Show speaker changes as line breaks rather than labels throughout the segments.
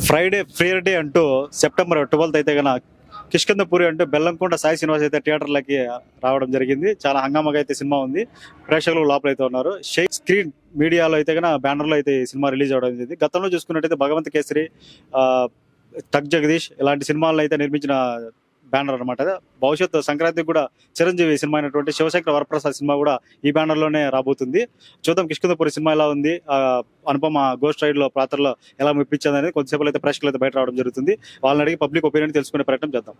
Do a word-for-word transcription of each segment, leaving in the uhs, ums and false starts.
Friday freer day అంటూ September twelfth అయితే కనుక కిష్కింధపురి అంటూ బెల్లంకొండ సాయి శ్రీనివాస్ అయితే థియేటర్లకి రావడం జరిగింది. చాలా హంగామాగా అయితే సినిమా ఉంది. ప్రేక్షకులు లోపల అయితే ఉన్నారు. షేక్ స్క్రీన్ మీడియాలో అయితే కనుక బ్యానర్లో అయితే ఈ సినిమా రిలీజ్ అవడం జరిగింది. గతంలో చూసుకున్నట్టయితే భగవంత్ కేసరి, తగ్ జగదీష్ ఇలాంటి సినిమాలను అయితే నిర్మించిన బ్యానర్ అనమాట. భవిష్యత్తు సంక్రాంతికి కూడా చిరంజీవి సినిమా అయినటువంటి శివశంకర వరప్రసాద్ సినిమా కూడా ఈ బ్యానర్ లోనే రాబోతుంది. చూద్దాం కిష్కింధపురి సినిమా ఎలా ఉంది, అనుపమ గోస్ట్ రైడ్ లో పాత్రలో ఎలా మెప్పించింది అనేది కొద్దిసేపు అయితే ప్రేక్షకులు అయితే బయట రావడం జరుగుతుంది. వాళ్ళని అడిగి పబ్లిక్ ఒపీనియన్ తెలుసుకునే ప్రయత్నం చేద్దాం.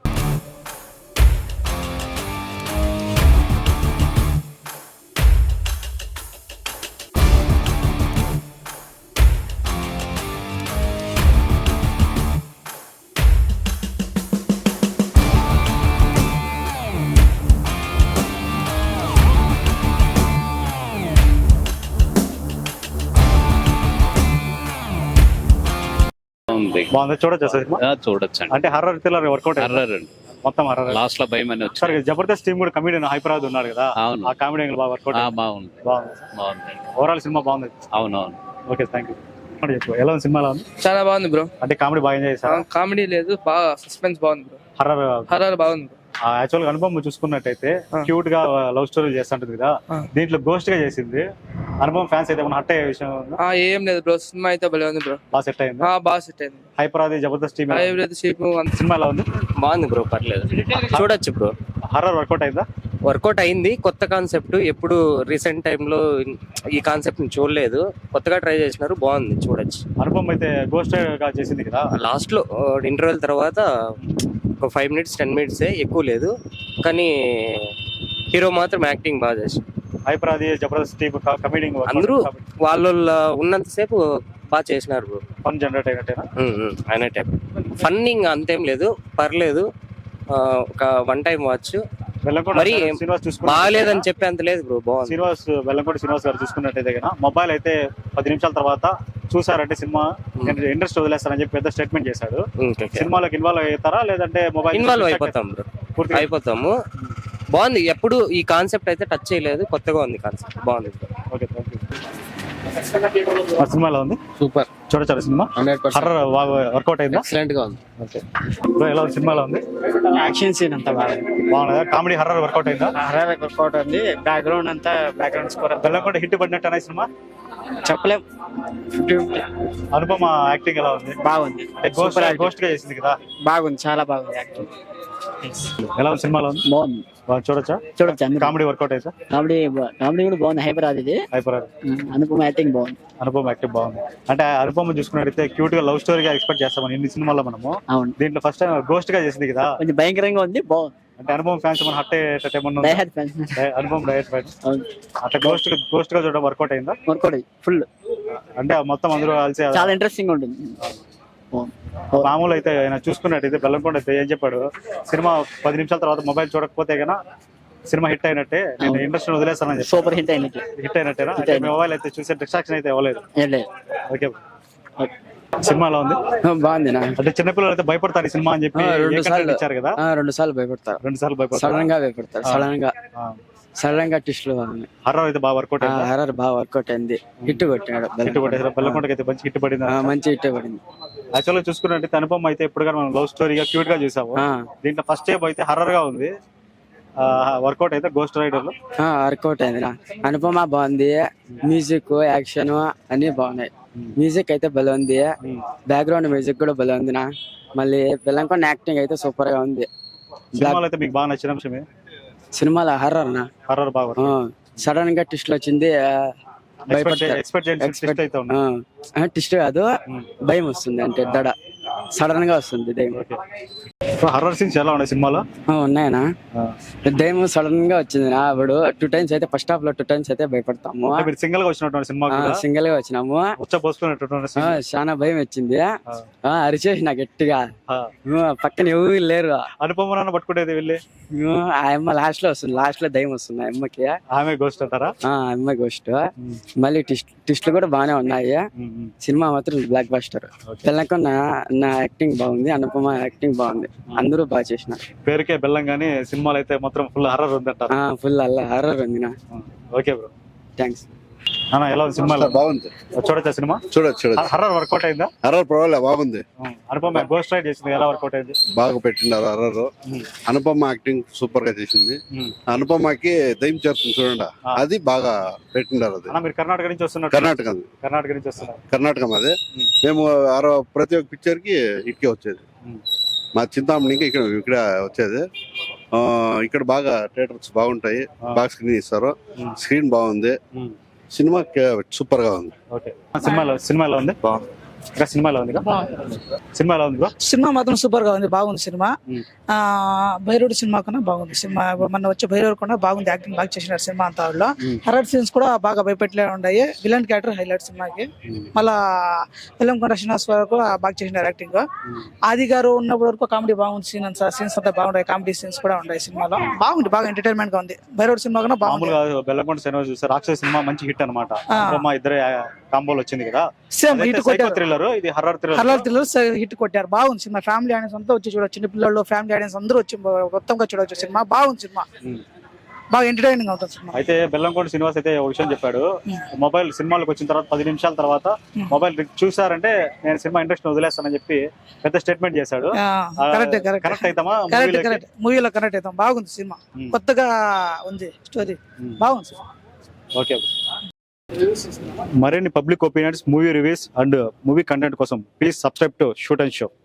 బాగుంది, చూడొచ్చు సినిమా,
చూడొచ్చు.
అంటే హర్రర్ థ్రిల్లర్ వర్కౌట్
హర్రర్
మొత్తం హర్రర్.
లాస్ట్ లో భయం అని వచ్చారు.
జబర్దస్త్ టీమ్ కూడా కమెడియన్ హైపరాజ్ ఉన్నారు కదా, ఆ కామెడీ బాగా వర్కౌట్
బాగుంది. బాగుంది,
ఓవరాల్ సినిమా బాగుంది.
అవునవును.
Okay, thank you. ఎలా ఉంది సినిమా?
చాలా బాగుంది బ్రో.
అంటే కామెడీ బాగా ఎంజాయ్ చేశారు?
కామెడీ లేదు, బాగా సస్పెన్స్ బాగుంది బ్రో.
హర్రర్
హర్రర్ బాగుంది.
యాక్చువల్ గా అనుభవం చూసుకున్నట్టయితే క్యూట్ గా లవ్ స్టోరీ చేస్తుంటది కదా, దీంట్లో గోస్ట్ గా చేసింది. అనుభవం ఫ్యాన్స్ అయితే హట్ అయ్యే విషయం
ఏం లేదు బ్రో, సినిమా అయితే భలే ఉంది బ్రో.
బాగా సెట్ అయింది. బాగా
సెట్ అయింది.
హైపరాది జబర్దస్త్ టీమ్
సినిమా
ఎలా ఉంది?
బాగుంది బ్రో, పర్లేదు, చూడొచ్చు బ్రో.
హర్రర్ వర్కౌట్ అయిందా?
వర్కౌట్ అయింది. కొత్త కాన్సెప్ట్, ఎప్పుడు రీసెంట్ టైంలో ఈ కాన్సెప్ట్ ని చూడలేదు, కొత్తగా ట్రై చేసినారు, బాగుంది, చూడొచ్చు.
అనుభవం అయితే గోస్ట్ గా చేసింది కదా,
లాస్ట్ లో ఇంటర్వెల్ తర్వాత ఒక ఫైవ్ మినిట్స్ టెన్ మినిట్స్ ఎక్కువ లేదు, కానీ హీరో మాత్రం యాక్టింగ్ బాగా చేసి.
హైపరాది జబర్దస్త్ టీమ్ కమెడీ
అందరూ వాళ్ళ ఉన్నంతసేపు బాగా చేసినారు బ్రో.
Fun generate అయినట్టేనా?
అయినట్టే. ఫన్నింగ్ అంతేం లేదు, పర్లేదు, ఒక వన్ టైం వాచ్. మరి బాగాలేదని చెప్పే అంత లేదు బ్రో, బాగుంది.
శ్రీనివాస్ వెల్లంకొండ శ్రీనివాస్ గారు చూసుకున్నట్టయితే కదా, మొబైల్ అయితే పది నిమిషాల తర్వాత చూసారంటే సినిమా ఇంట్రెస్ట్ వదిలేస్తారని చెప్పి పెద్ద స్టేట్మెంట్ చేశాడు. సినిమాలోకి ఇన్వాల్వ్ అవుతారా లేదంటే మొబైల్?
ఇన్వాల్వ్ అయిపోతాం బ్రో, అయిపోతాము. బాగుంది, ఎప్పుడు ఈ కాన్సెప్ట్ అయితే టచ్ చేయలేదు, కొత్తగా ఉంది కాన్సెప్ట్, బాగుంది.
Okay, thank you. సినిమా ఎలా ఉంది?
సూపర్,
చూడొచ్చు సినిమా. హర్రర్ వర్కౌట్ అయింది,
ఎక్సలెంట్ గా ఉంది.
ఓకే, ఎలా ఉంది సినిమా? ఎలా ఉంది?
యాక్షన్ సీన్ అంతా బాగా
బాగుందా? కామెడీ హర్రర్ వర్కౌట్ అయిందా?
హర్రర్ వర్కౌట్ ఉంది. బ్యాక్గ్రౌండ్ అంతా బ్యాక్గ్రౌండ్ స్కోర్
వెల్లంకొండ హిట్ పడినట్టు అనే సినిమా
చెప్పలేం.
అనుపమ యాక్టింగ్ ఎలా ఉంది?
బాగుంది.
గోస్ట్ గా చేసింది కదా,
బాగుంది, చాలా బాగుంది యాక్టింగ్.
ఎలా ఉంది సినిమాలో?
బాగుంది,
చూడొచ్చా?
చూడొచ్చు.
కామెడీ వర్కౌట్ అయితే
కామెడీ కామెడీ కూడా బాగుంది. హైపరాది ఇది
హైపరాది
అనుపమ యాక్టింగ్ బాగుంది.
అనుపమ యాక్టింగ్ బాగుంది. అంటే అనుపమ చూసుకున్నట్టయితే క్యూట్ గా లవ్ స్టోరీగా ఎక్స్పెక్ట్ చేస్తాం ఇన్ని సినిమాలో మనము.
అవును,
దీంట్లో ఫస్ట్ టైం గోస్ట్ గా చేసింది కదా,
కొంచెం భయంకరంగా ఉంది, బాగుంది.
అంటే అనుపమ ఫ్యాన్స్ మన హట్ అయ్యేటట్టు ఏమన్నా? అనుపమ డైరెక్ట్ ఫ్యాన్స్ అట్లా గోస్ట్ గోస్ట్ గా చూడడం వర్కౌట్ అయిందా?
వర్కౌట్ అయ్యి ఫుల్,
అంటే మొత్తం అందరూ కలిసి
చాలా ఇంట్రెస్టింగ్ ఉంటుంది.
మామూలు అయితే ఆయన చూసుకున్నట్టయితే బెల్లంకొండ అయితే ఏం చెప్పాడు, సినిమా పది నిమిషాల తర్వాత మొబైల్ చూడకపోతే కన్నా సినిమా హిట్ అయినట్టే, నేను ఇంట్రెస్ట్ వదిలేస్తానని.
సూపర్ హిట్ అయినట్టు.
హిట్ అయినట్టేనా? మొబైల్ అయితే చూసే డిస్ట్రాక్షన్ అయితే ఇవ్వలేదు. ఓకే, సినిమా ఎలా ఉంది?
బాగుంది.
అంటే చిన్నపిల్లలు అయితే భయపడతారు ఈ సినిమా అని చెప్పి ఇచ్చారు కదా,
రెండు సార్లు భయపడతారు.
రెండు సార్లు భయపడతారు,
సడన్ గా భయపడతారు. సడన్ గా సడన్ గా టిస్టులు బాగుంది.
హర్రర్ అయితే బాగా వర్కౌట్ అయింది.
హర్రర్ బాగా వర్కౌట్ అయింది, హిట్ కొట్టినాడు.
హిట్ కొట్టేసారు. బెల్లంకొండకి అయితే మంచి హిట్ పడింది,
మంచి హిట్ పడింది.
యాక్చువల్ గా చూసుకున్నట్టు అనుపమ అయితే ఇప్పుడు మనం లవ్ స్టోరీగా క్యూట్ గా చూసాము. దీంట్లో ఫస్ట్ స్టెప్ అయితే హర్రర్ గా ఉంది, వర్కౌట్ అయితే గోస్ట్ రైడర్ లో
వర్కౌట్ అయింది. అనుపమ బాగుంది, మ్యూజిక్ యాక్షన్ అన్ని బాగున్నాయి. మ్యూజిక్ అయితే భలే ఉంది, బ్యాక్గ్రౌండ్ మ్యూజిక్ కూడా భలే ఉంది. నా మళ్ళీ బెల్లంకొండ యాక్టింగ్ అయితే సూపర్ గా ఉంది.
సినిమాలో అయితే మీకు బాగా నచ్చిన అంశమే
సినిమాలో హర్రర్ నా
హర్రర్ బాగా
సడన్ గా టిస్ట్ వచ్చింది, టిస్ట్ కాదు భయం వస్తుంది, అంటే దడ సడన్ గా వస్తుంది దయ్యం.
హర్రర్ సీన్స్ ఎలా ఉన్నాయి సినిమాలో?
ఉన్నాయనా? దయ్యం సడన్ గా వచ్చింది నా, అప్పుడు టూ టైమ్స్ అయితే ఫస్ట్ హాఫ్ లో టూ టైమ్స్ అయితే భయపడతాము.
సింగిల్ గా వచ్చినటువంటి సినిమా,
సింగిల్ గా వచ్చినాము, చాలా భయం వచ్చింది. అరిచేసి నా గట్టిగా, పక్కన ఎవరు లేరు.
అనుపమ పట్టుకుంటేది వెళ్ళి
ఆ అమ్మ లాస్ట్ లో వస్తుంది, లాస్ట్ లో దయ్యం వస్తుంది ఆ అమ్మకి.
ఆమె గోస్ట్ అంటారా?
అమ్మ గోస్ట్. మళ్ళీ టిస్ట్లు కూడా బాగానే ఉన్నాయి. సినిమా మాత్రం బ్లాక్ బస్టర్. బెల్లంకొండ నా యాక్టింగ్ బాగుంది, అనుపమ యాక్టింగ్ బాగుంది, అందరూ బాగా చేసినారు.
పేరుకే బెల్లం గానీ సినిమాలు అయితే మాత్రం ఫుల్ హర్రర్ ఉంది అంటారు.
ఫుల్ అల్ల హర్రర్ ఉంది నా.
Okay bro,
thanks.
అన్న ఎలా ఉంది సినిమా?
బాగుంది,
చూడొచ్చా సినిమా?
చూడొచ్చు చూడొచ్చు.
హర్రర్ వర్కౌట్ అయిందా?
హర్రర్ పర్వాలేదు, బాగుంది.
అనుపమ గోస్ట్ రైడ్ చేసింది, ఎలా వర్కౌట్ అయింది?
బాగా పెట్టినారు హర్రర్. అనుపమ యాక్టింగ్ సూపర్ గా చేసింది. అనుపమకి దయ్యం చేరుతుంది చూడండి, అది బాగా పెట్టినారు. అది
అన్న మీరు కర్ణాటక నుంచి వస్తున్నారు?
కర్ణాటక
కర్ణాటక నుంచి వస్తున్నారు.
కర్ణాటక అదే. మేము ఆరో ప్రతి ఒక్క పిక్చర్ కి ఇటుకే వచ్చేది. మా చింతామణికి ఇక్కడ ఇక్కడ వచ్చేది. ఆ, ఇక్కడ బాగా థియేటర్స్ బాగుంటాయి, బాగా స్క్రీన్ ఇస్తారు. స్క్రీన్ బాగుంది, సినిమా సూపర్ గా ఉంది.
ఓకే, సినిమాలో సినిమాలో ఉంది ఇంకా సినిమాలో ఉంది సినిమాలో ఉంది బ్రో.
సినిమా మాత్రం సూపర్ గా ఉంది, బాగుంది సినిమా. ఆ భైరవుడు సినిమా కన్నా బాగుంది సినిమా. మన వచ్చే భైరవుడు కూడా బాగుంది, యాక్టింగ్ బాగా చేసినారు సినిమా అంతా. వాళ్ళు హర్రర్ సీన్స్ కూడా బాగా భయపెట్లే ఉన్నాయి. విలన్ క్యారెక్టర్ హైలైట్ సినిమాకి. మళ్ళా వెల్లంకొండ శ్రీనివాస్ గారు కూడా బాగా చేసినారు యాక్టింగ్. ఆది గారు ఉన్నప్పటి వరకు కామెడీ బాగుంది, సీన్ అంతా సీన్స్ అంతా బాగుంటాయి, కామెడీ సీన్స్ కూడా ఉన్నాయి సినిమాలో. బాగుంది, బాగా ఎంటర్టైన్మెంట్ గా ఉంది. భైరవుడు సినిమా కన్నా బాగుంది.
మామూలుగా బెల్లంకొండ సినిమా చూస్తే రాక్షస సినిమా మంచి హిట్ అనమాట. ఇద్దరే కాంబోలు వచ్చింది కదా,
సేమ్ హిట్ కొట్టారు.
థ్రిల్లర్, ఇది horror thriller.
Horror thriller hit కొట్టారు, బాగుంది సినిమా. ఫ్యామిలీ ఆడియన్స్ అంతా వచ్చి చూడొచ్చు, చిన్న పిల్లలు ఫ్యామిలీ ఆడియన్స్ అందరూ వచ్చి మొత్తంగా చూడొచ్చు సినిమా. బాగుంది సినిమా, బాగా ఎంటర్టైనింగ్ అవుతుంది సినిమా.
అయితే బెల్లంకొండ శ్రీనివాస్ అయితే ఒక విషయం చెప్పాడు, మొబైల్ సినిమాలకు వచ్చిన తర్వాత పది నిమిషాల తర్వాత మొబైల్ చూసారంటే నేను సినిమా ఇంట్రెస్ట్ వదిలేస్తానని చెప్పి పెద్ద స్టేట్మెంట్ చేశాడు.
కరెక్ట్ కరెక్ట్
కరెక్ట్ అవుతామా?
కరెక్ట్ కరెక్ట్ మూవీలో కరెక్ట్ అవుతాం. బాగుంది సినిమా, కొత్తగా ఉంది స్టోరీ, బాగుంది.
ఓకే, మరిన్ని public opinions, movie reviews and movie content కోసం please subscribe to shoot and show.